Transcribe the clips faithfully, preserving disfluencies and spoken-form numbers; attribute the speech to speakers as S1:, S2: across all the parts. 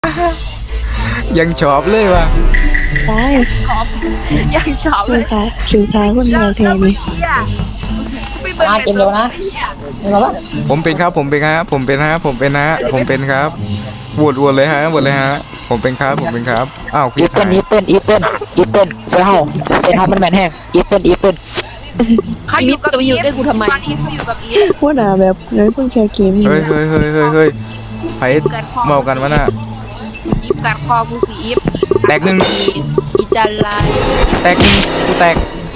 S1: ยังชอบเลยว่ะ
S2: ตาย
S3: ยังชอบเล
S2: คือยค่ะคือค่ะคนเดียวแทนนี่
S4: มาเกมเร็วนะเห็นไหมวะ
S1: ผมเป็นครับผมเป็นฮะผมเป็นฮะผมเป็นฮะผมเป็นครับโหวตโหวตเลยฮะโหวตเลยฮะผมเป็นครับผมเป็นครับอ้าว
S4: อี
S1: คิด
S4: เปิ้
S1: ทา
S4: ล
S1: ย
S4: อีเปิ้ลอีเปิ้ลอีเปิ้ลเซเฮาเซเฮามันแมนแห้งอีเปิ้ลอีเปิ้ล
S3: เขาอยู่กับอีฟได้กูทำไมตอนนี้เขาอยู่กับอีฟ
S2: พวกหนาแบบเลยเพิ่งแค่เกมนี่
S1: เฮ้ยเฮ้ยเฮ้ยเฮ้ยเฮ้ยไผเมากันวะน่ะ
S3: อีฟกัดคอกูสีอีฟ
S1: แตกหนึ่ง
S3: อีจันลาย
S1: แตกหนึ่งกูแตก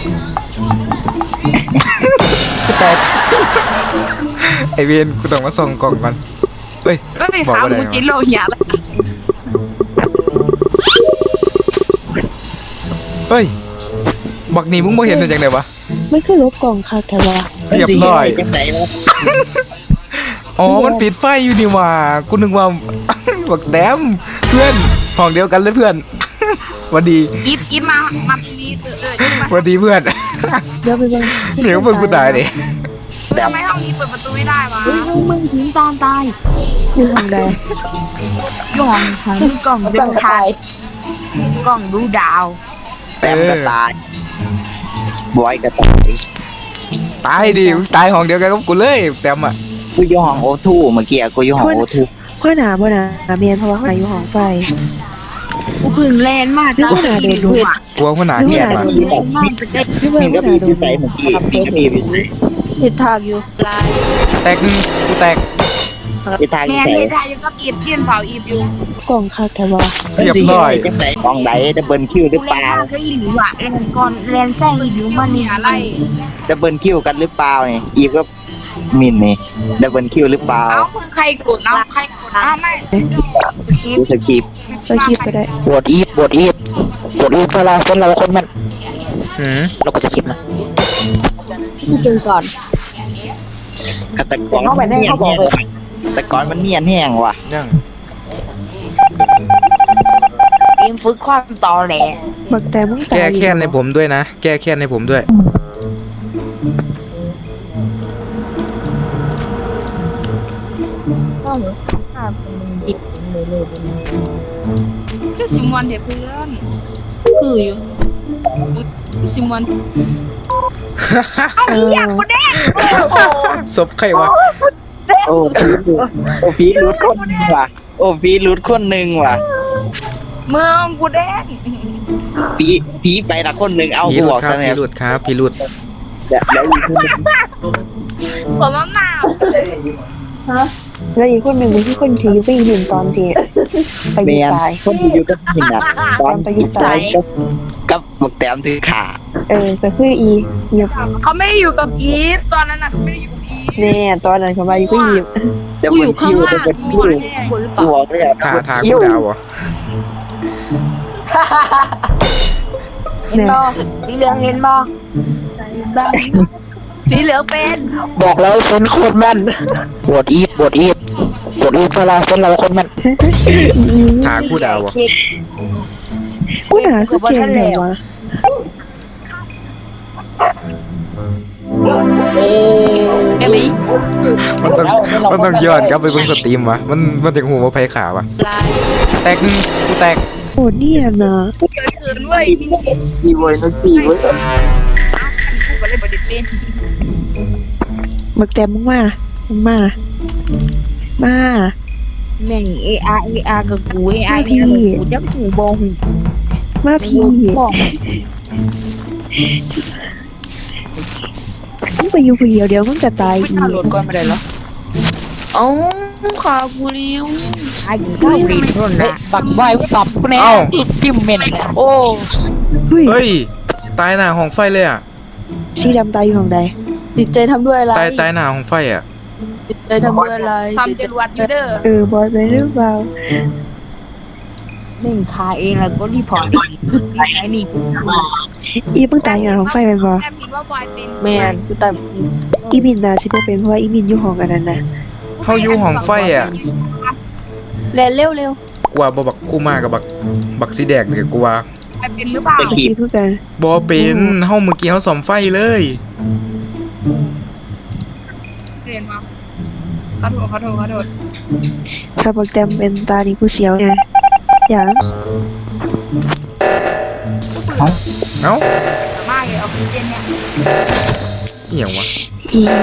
S1: กูแตกไอเวนกูต้องมาส่องกล่องก่อนเฮ้ย
S3: ก็เป็น
S1: บอก
S3: สาว
S1: ว่าได้
S3: กูจินโลเหียแล้ว
S1: เฮ้ยบักนี่มึงบ่เห็นเป็นจังไดวะ
S2: ไม่เคยลบกล่องค่ะแต่ว่า
S1: เรียบร้อย
S4: จังไหนวะ
S1: อ๋อมันปิดไฟอยู่นี่หว่ากูนึกว่า บักแต้มเพื่อนห้องเดียวกันเลยเพื่อน หวัสดี
S3: อีฟอีฟมามาพีนี้เออเออจะมา
S1: หวัสดีเพื่อน
S2: เดี๋ยวไปบ้าง
S1: เดี๋ยวมึงกูตายดิ
S3: ทำไมห้องนี้เปิดประตูไม่ได้วะ
S5: เฮ้ยห้องมึงสิงตอนตาย
S2: อยู่ทางใด
S5: กล่องขังกล่อง
S4: ต้
S5: เดิ
S4: อง
S5: นทา
S4: ตาง ย
S5: กล่องดูดาว
S4: แต้มกระตายบอยกระตาย
S1: ตายดิมึงตายห้องเดียวกันกับกูเลยแต้มอ่ะ
S4: กูอยู่ห้องโอทูเมื่อกี้กูอยู่ห้องโอทู
S2: พวกหนาพวกหนาเมียนเพราะว่าเขาอยู่ห้องไฟ
S5: กูเพึ่งแลนมาก
S2: นึกว่าหนาโดนดูด
S1: กลัวคนหนาแก่มา
S5: แลนมากจะได้
S2: นึกว่า
S4: มี
S2: พ
S4: ก็
S2: วกห
S4: มี
S2: นาโด
S4: ที่
S2: น
S4: ใส่เมื่อกี้มีก็มีอยู่
S2: ผิดทางอยู่
S3: ลาย
S1: แตกหนึ่งกูแตก
S4: ที่ทาง
S3: แม่
S4: ที่ใส่
S3: ที่ได้ยังก็อีฟเพี้ยนเผาอีฟอยู่
S2: กล่องค่ะแต่ว่า
S1: เรียบร้อย
S4: จังไหนกองไหนดับเบิลคิวหรือ
S3: กู
S4: เป
S3: เล่น
S4: ล่า
S3: มากก็อีหลิวอะเล่นก่อนแลนแซงอีหลิวมันนี่อะไร
S4: ดับเบิลคิวกันหรือเปล่าเนี่ยอีฟก็มินนี่ดับเบิลคิวหรือเปล่า
S3: เอาคือใครกดเอาใครกดเอาไม่คลิป
S4: ดูสกีป
S2: ไปคลิปก็ได้
S4: บวดอีฟบวดอีฟบวดอีฟเวลาเป็นเราคนมัน
S1: หืม
S4: เราก็จะคิดนะ
S5: พี่เจอก่อน
S4: กระตะกอนมันเนียนแห้งแต่กอนมันเนียนแห้งว่ะ
S1: ยัง
S5: เกมฝึกความต่อแหล
S2: บักแต่มึงตาย
S1: แก้แค้นในผมด้วยนะแก้แค้นในผมด้วย
S3: ก็ซิมวันเดี๋ยวเพื่อนคืออยู่ซิมวัน
S2: เออ
S1: ศพใครวะ
S4: โอ้โอ้พีรูดคนหนึ่งว่ะโอ้พีรูดคนหนึ่งว่ะ
S3: เมืองกูแดง
S4: พีพีไปละคนหนึ่งเอา
S1: พี
S4: กู
S1: รุ
S4: บ
S1: ด
S4: อก
S1: ครับ
S4: ซะเนี่
S1: พี
S4: ย
S1: รุดครับพีรุด
S4: เดี๋ยวเดี๋ยวอีกคนหนึ่ง
S3: ผมน้ำหนาว
S2: แล้วอีกคนหนึ่งเป็นที่คนขี่อยู่ไปอีกหนึ่งตอนที่ไป
S4: เมี
S2: ยิง
S4: ยน
S2: ตาย
S4: คนที่อยู่กับหินอ่ะตอน
S2: ไปอยู่ตาย
S4: กับกับหมวกแต้มถือขา
S2: เออก็คืออีเหยียบ
S3: เขาไม่ได้อยู่กับอีฟตอนนั้นน่ะเขาไม่ได้อยู่กับอีฟ
S2: แน่ตอนนั้นเขามาอยู่ก็เหยียบ
S4: จะ
S5: กู
S4: บ
S5: อน ยู่ข้า
S4: คิ
S5: ง
S4: ว
S5: ล่า
S4: จะ
S5: ง
S4: บน
S5: มี
S4: คิว
S5: คนหรือเป
S4: ตั
S5: ล่าว
S4: เลยอ่ะ
S1: ทาทากูดาวเหรอ
S5: เห็นบอสีเหลืองเห็นบอสีเหลืองเป็น
S4: บอกแล้วเป็นโคตรแม่นบวดอีฟบวดอีฟบวดอีฟเวลาเป็นเราคนแม่น
S2: อี
S1: ทากูดาวเหรอ
S2: กูหนาคือเก่งเลยวะ
S5: เอลิ
S1: มันต้องมันต้องย้อนกลับไปเบิ่งสตรีมวะมันมันถึงหูว่าไผขาวะ
S3: ลาย
S1: แตกหนึ่งกูแตก
S2: โหเนี่ยนะ
S3: เกิดเกินเว้ยนี่กู
S4: อีเว้ยนักตีเว้ย
S3: ก็เลยบไดิเป็น
S2: บักแต่มึงมามึงมามา
S5: แม่งเออาเออากับกูเออาเออากูจับหูบอหู
S2: มาพี่
S5: บอก
S2: มึงไปอยู่คนเดียวเดี๋ยวมึงจะตาย
S3: ไม่
S2: อี
S3: ทันโหลดก่อนมาได้เหรอ
S5: เอ้าขากูเลี้ยวขาอยู่ข้าวรีดรุ่น
S4: เฮ้ย
S5: นะ
S4: ปักไว้ปับกูแน่จิ้มเม่นโอ้
S2: เฮ้ย
S1: เฮ้ยตายหน้าห้องไฟเลยอ่ะ
S2: สีดำตายอยู่ของใด
S5: จิตใจทำด้วยอะไร
S1: ตายตายหน้าห้องไฟอ่ะ
S5: จิตใจทำด้วยอะไร
S3: ทำจรวดอยู่เด้อ
S2: เออบอยไปหรือเปล่า
S5: หนึ่งขาเองแล้วก็รีพอร์ตไอ้นี่
S2: อีมึงตายอยู่ของไฟเป็นบ่
S3: แม่พิมพ์ว่าบอยเป็น
S5: แม่นกูแต่
S2: อีมินน่ะสิบ่เป็นเพราะว่าอีมินอยู่ห้องอันนั้นน่ะ
S1: เฮาอยู่ห้องไฟอ่ะ
S5: เร็วเร็วเร็ว
S1: กว่าบ่บักกูมากับบักบักสีแดงนี่กูว่า
S3: บอยเป็นหรือเปล่า
S2: สกีเพื่อกัน
S1: บ่เป็นเฮาเมื่อกี้เฮาซ่อมไฟเลย
S3: เรียนมาขอโทษขอโทษขอโทษ
S2: ถ้าบักแตมเป็นตานี่กูเสียวไงอย่าง
S1: เอ้า
S3: มากเลยออกซิเจนเนี่ย
S1: เอี่ยงวะ
S2: อีหยัง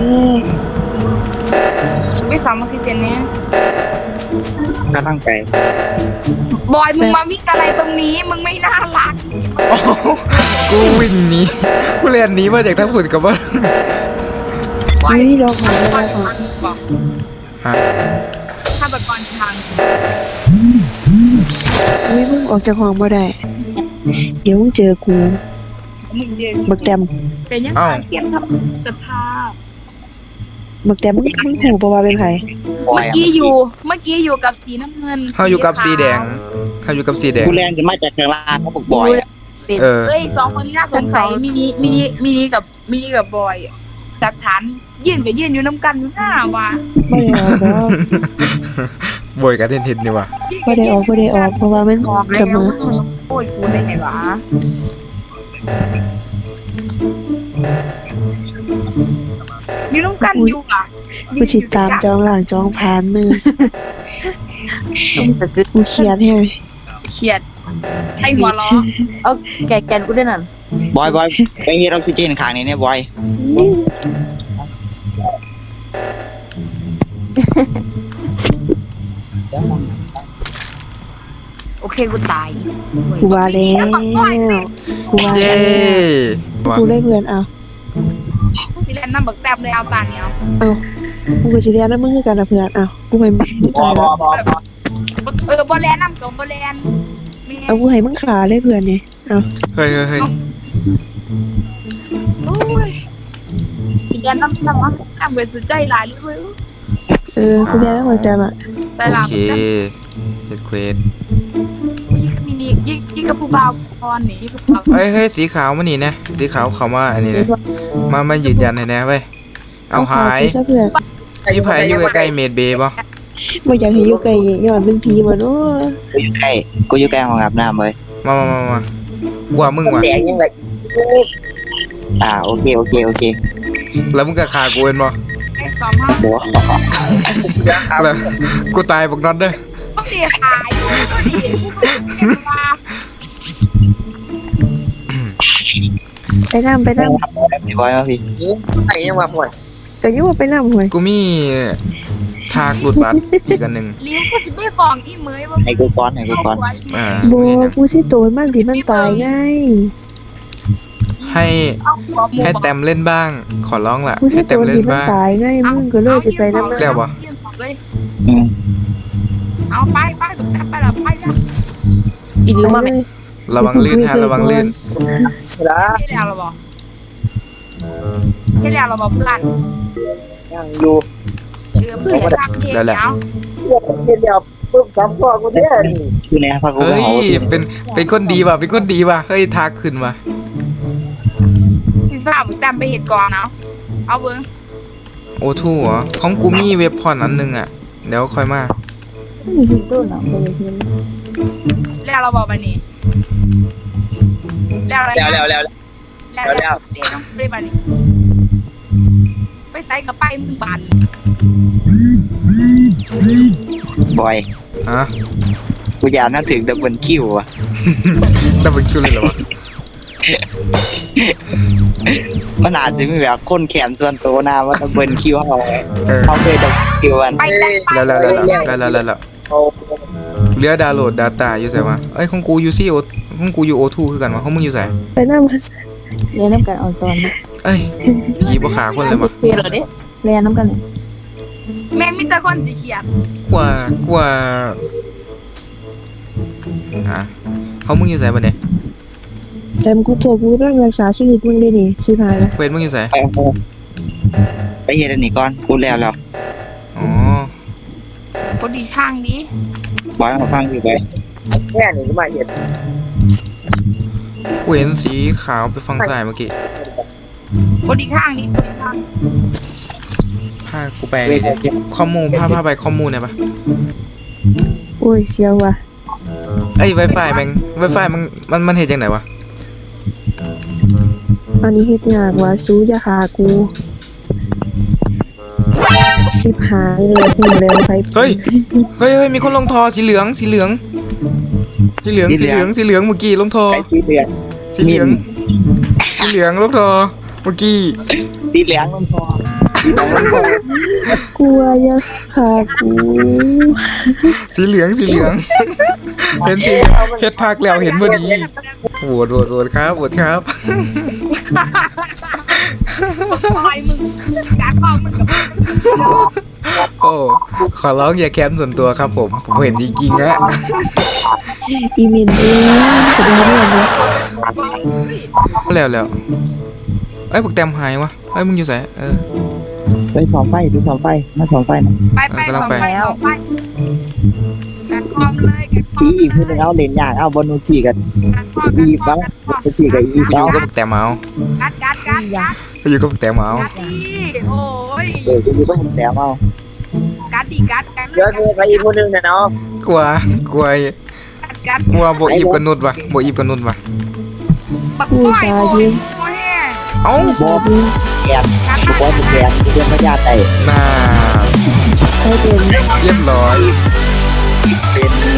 S3: ไม่ฟังออกซิเจนเนี่ย
S4: ก็ตั้งใจ
S3: บอยมึงมาวิ่งอะไรตรงนี้มึงไม่น่ารัก
S1: โอ้โหกูวิ่งหนีกูเรียนหนีมาจากทั้งฝุ่นกับว่า
S2: อุ้ยลองหาไม่ได้ค่ะ
S3: บอก
S1: ฮะ
S3: ถ้าแบบก่อนทาง
S2: อุ้ยมึงออกจากห้องบ่ได้เดี๋ยวมึงเจอกู
S3: มึงเดียว
S2: บักแต้ม
S3: เป็นยังไงเกียมทำสภาพ
S2: บักแต้มมึงมึงหูบ่ว่าเป็นไผ
S3: เมื่อกี้อยู่เมื่อกี้อยู่กับสีน้ำเงิน
S1: เขาอยู่กับสีแดงเขาอยู่กับสีแดง
S4: กูแรงจะมาจากข้างล่างเขาบอกบอยอะ
S1: เออ
S3: เอ้ยสองคนนี้น่าสงสัยมินิมินิมินิกับมินิกับบอยจากฐานยื่นกับยื่นอยู่น้ำกันอยู่หน้าว่ะ
S2: บ่ได้ออกดอก
S1: บอยกับเทนเทนนี่วะ
S2: บ่ได้ออกบ่ได้ออกเพราะว่ามัน
S3: บอก
S2: เส
S3: แล้ว
S2: มอ
S3: โอ้ยกูได้ไงวะอยู่น้ำกันอยู่อ่ะ
S2: กูสิตามจองหลังจองผ่านมือกูเครียดแฮะ
S3: เขียดให้หัวล้อ
S5: เอาแกแกนกูได้นั่น
S4: บอยบอยไปเฮ็ดออกซิเจนข้างนี้เนี่ยบอย
S3: โอเคกูตาย
S2: กูว่าแล้วกูว่า
S1: เย้
S2: แล้ว
S1: วะ
S2: กูได้เพื่อนเอา
S3: ที่เล่นน้ำบักแตบเลยเอาตาเนี้ย
S2: เอากูก็สิเรียนนำมึงคือกันนะเพื่อนเอากูไปมึง
S4: บอ
S2: ตาย
S4: บ
S2: แล้
S4: อ
S2: ว
S4: บอบอ
S3: เออบอลแลนน้ำกับบอลแลน
S2: เอากูให้มึงขาเลยเพื่อนนี่เอา
S1: เฮ้ยเฮ้ยเฮ้ย
S3: โอ้ยที่เล่นน้ำน้ำน้ำเวสุดใจหลายเลยเว้ย
S2: เออกูเรียนตั้งแต่อ่ะ
S3: แต่
S1: โอ
S3: ละ
S1: เคเฮ็ดเควส
S3: ยิ่งมินิยิ่งยิ่งกับผู้บ่าวพรนี่ผู้บ่าว
S1: เฮ้ยเฮ้ยสีขาวมานี่นะสีขาวเขามาอันนี้เลยมามายืนยันให้แน่เว้ยเอาหาย
S2: ซะเพื่อน
S1: พี่ไผ่อยู่ใกล้ๆเมดเบย์ป่ะ
S2: บ่อยากให้อยู่ไกลย้อนเป็นผีบ่เนาะ
S4: กูอยู่ใกล้กูอยู่ใกล้ห้องอาบน้ำเลย
S1: มามามามากูว่ามึงว่ะ
S4: แดงยังไงอ่าโอเคโอเคโอเค
S1: แล้วมึงก็ฆ่ากูเป็นป่ะ
S3: ไอ้สองห้า
S4: โบ
S1: แล้วกูตายบักน็อตเด้อ
S3: ต้องเสียหายอยู่ก็ดีผู้บ่าวเก็บมา
S2: ไปนำไปนำ
S4: พี่บอยมาพี่ไอ้ยังมาห่วย
S2: ก็อยู่ว่าไปนำห่วย
S1: กูมีทากหลุดบัตรอีกอันหนึ่ง
S3: ลิ้วก็จะไม่ฟ้องอีเมยว่า
S4: ให้กูก้อนให้กูก้อน
S1: อ่า
S2: บ่กูสิโตนมันที่มันตายไง
S1: ให้
S3: เอาหัวหมู
S1: ให้แต้มเล่นบ้าง ขอร้องล่ะ
S2: กูสิ
S1: ให้
S2: โต
S1: แต้ม
S2: น
S1: เล่
S2: ที่
S1: น
S2: มัน
S1: บ้าง
S2: ตายไงมึงก็เลยสิไปนำ
S1: แล้ววะ
S4: อืม
S3: เอาไปไปไปแล้วไปแล้ว
S5: อีลิว
S2: ไป
S5: มา
S2: เล
S5: แม่
S2: ย
S1: ระวังลื่นฮะระวังลื่น
S3: ที่แล้วเราบอกที่แล้วเราบอกเพื่อน
S4: ยังอยู่
S3: เออเพื่อนทำเองแล้ว
S4: อยู่ในพักกู
S1: เฮ้ย
S4: เผา
S1: เป็นเป็นคนดีว่ะเป็นคนดีว่ะเฮ้ยทากขึ้นว่ะ
S3: ที่ทราบแต้มไปเหตุก่อนเนาะเอาเบิ้ง
S1: โอทูเหรอของกูมีเว็บพอนอันหนึงอ่ะเดี๋ยวค่อยมา
S5: มีหินต้นอ่ะบ่ได้เห็น
S3: แล้วเราบอกไปนี่แล้วอะไร
S4: แล้วแล้วแล้ว
S3: แล้วแล้วเดี๋ยวต้องไปบ้านนี้ไปใส่กระไปมึงบัน
S4: บอย
S1: ฮะ
S4: กูอยากนั่งถึงดับเบิลคิวอ่ะ
S1: ดับเบิลคิวเลยเหรอวะ
S4: มันอาจจะมีแบบคนแขนส่วนตัวนะว่าดับเบิลคิวเขา
S1: เออ
S4: เขาเคยดับเบิลคิวกัน
S3: ไปแต่ไป
S1: แล้วแล้วแล้วแล้วแล้วแล้วแล้วเหลือดาวน์โหลด Data อยู่ไสวะเอ้ยของกูอยู่ซี่โอของกูอยู่โอทูคือกันวะของมึงอยู่ไส
S2: ไปนำ
S5: เรียนน้ำกันเอาตอนนี้
S1: เอ้ยผีบ่ขาคนเลยว่ะ
S5: เฟรเหรอเด้เรียนน้ำกันเนี่ย
S3: แม่มีแต่คนสีเขียด
S1: กว่ากว่าอ่ะเขามึงอยู่ไสบัดเนี่ย
S2: แต่กูพวกกูกำลังรักษาชีวิตมึงได้นี่สิพายละ
S1: เควสมึงอยู่ไส
S4: ไปเอาไปเฮ็ดอันนี้ก่อนกูแล้วแล้ว
S1: อ๋อ
S3: คนดีข้างนี้
S4: บอยมาฟังอยู่ไป
S1: กูเห็นสีขาวไปฝั่งซ้ายเมื่อกี้
S3: คนดีข้างนี้คนดีข้าง
S1: พากูไปนี่ดิข้อมูลพาพาไปข้อมูลหน่อยปะ
S2: โอ้ยเสียวว่ะ
S1: เอ้ย Wi-Fi แม่ง Wi-Fi มันมันมันเฮ็ดจังไดวะ
S2: อันนี้เฮ็ดยากว่ะสู้อย่าฆ่ากูชิบหายเลยหูแล้วไป
S1: เฮ้ย เฮ้ยเฮ้ยมีคนลงทอสีเหลืองสีเหลืองสีเหลืองสีเหลืองสีเหลืองเมื่อกี้ลงทอ
S4: ไอ้สีเหลือง
S1: สีเหลืองสีเหลืองลงทอเมื่อกี้
S4: สีเหลืองลงคอสีเหลืองลงคอก
S2: ลัวอยาขากู
S1: สีเหลืองสีเหลือง เห็นสีเฮ็ดพักแล้วเห็นพอดีโหวตโหวตโหวตครับโหวตครับ
S3: บอยมึงการเมามึงกับ
S1: โอ้ขอร้องอย่าแคมส่วนตัวครับผมผมเห็นจริงๆนะ
S2: อีเมนเองสุดยอดเลย
S1: แล้วแล้วเอ้ยพวกแต้มหายวะเอ้ยมึงอยู่ไหนเออ
S4: ไปสองไฟไปสองไฟมาสองไฟนะ
S3: ไปไปสองไปสองไปการคอมเลยการคอ
S4: พี่
S3: ม
S4: อีกคนนึงเอาเลนยากเอาบนนูขี่กันอีบ้างไปขี่กับอี
S1: ไปอยู่
S4: บ้าง
S1: กับพวกแต้มเอา
S3: กัดกัดกัดกัด
S1: ไปอยู่กับพวกแต้มเอา
S3: กัดดีโอ้ย
S4: เออจะอยู่บ้านแถวเอา
S3: กัดดีกัดกัด
S4: เยอะคือไปอีกคนนึงนะเนาะ
S1: กลัวกลัว
S3: กัดกัด
S1: กลัวโบอีบกับนุดวะโบอีบกับนุดวะ
S3: บักบอยโอ้ยโอ้ย
S1: เอ้า
S4: บอสแกนบอสแกนที่เป็นพญาไต่
S1: น่า
S2: ใช่เป็น
S1: เรียบร้อย
S4: เป็น